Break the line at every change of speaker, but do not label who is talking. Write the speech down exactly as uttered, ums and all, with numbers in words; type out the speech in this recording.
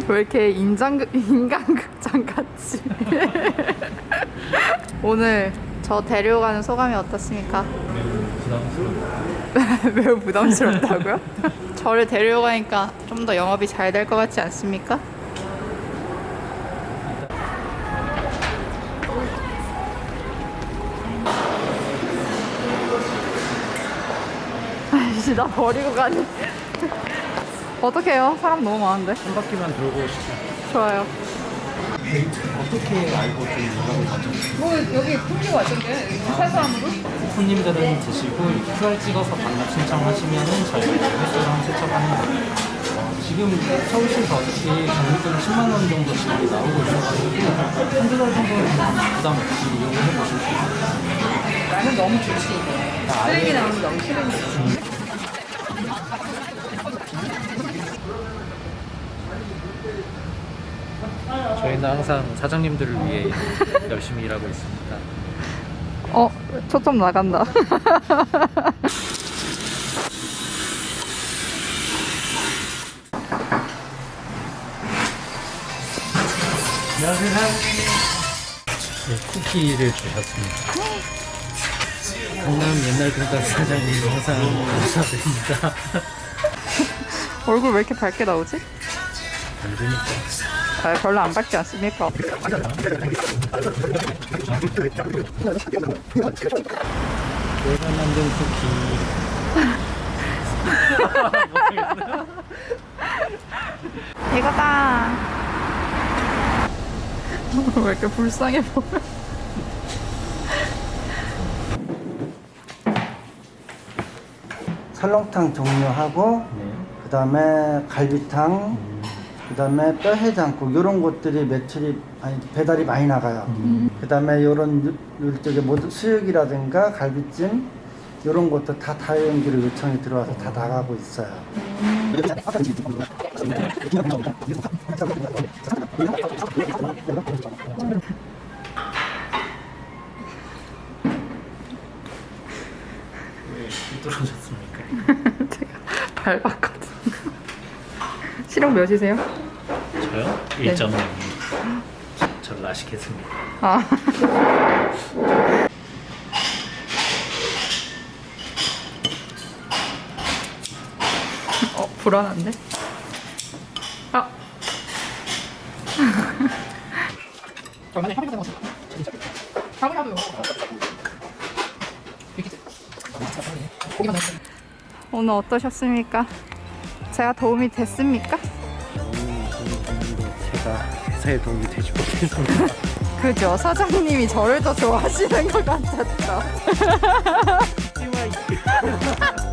왜 이렇게 인장, 인간극장 같지? 오늘 저 데려가는 소감이 어떻습니까? 매우 부담스럽다고요? 저를 데려가니까 좀 더 영업이 잘 될 것 같지 않습니까? 아이씨, 나 버리고 가니. 어떡해요? 사람 너무 많은데.
한 바퀴만 돌고 오시죠.
좋아요.
어떻게 알고 좀 연락을 받죠?
뭐 여기 풍기고 왔던데? 세 사람으로?
손님들은 드시고 큐알 찍어서 반납 신청하시면은 저희가 이제 횟수랑 세척하는 거예요. 어, 지금 서울시에서 어차피 경비금 십만 원 정도 지원이 나오고 있어가지고 한두 달 정도는 그냥 부담 없이 이용해 보실 수 있어요.
나는 너무 좋지. 쓰레기 나오는 너무 싫은데.
저희는 항상 사장님들을 위해 열심히 일하고 있습니다.
어, 초점 나간다.
안녕하세요. 네, 쿠키를 주셨습니다. 강남 옛날 돈가스 사장님 항상 감사드립니다.
얼굴 왜 이렇게 밝게 나오지?
안 되니까.
아, 별로 안 밝지 않습니까?
내가 만든 쿠키. 못하겠어요.
이거다. 왜 이렇게 불쌍해 보여?
설렁탕 종류하고
네.
그 다음에 갈비탕, 그 다음에 뼈해장국 이런 것들이 매출이 아니 배달이 많이 나가요. 그 다음에 이런 이쪽에 모두 수육이라든가 갈비찜 이런 것도 다 다연기로 요청이 들어와서 다 나가고 있어요.
왜 힘들어졌습니까?
제가 밟았거든요. 실력 몇이세요?
저요? 일 점 영. 저를 아시겠습니다.
아. 어, 불안한데? 아. 오늘 어떠셨습니까? 제가 도움이 됐습니까?
제가 회사에 도움이 되지 못해서.
그죠? 사장님이 저를 더 좋아하시는 것 같았죠?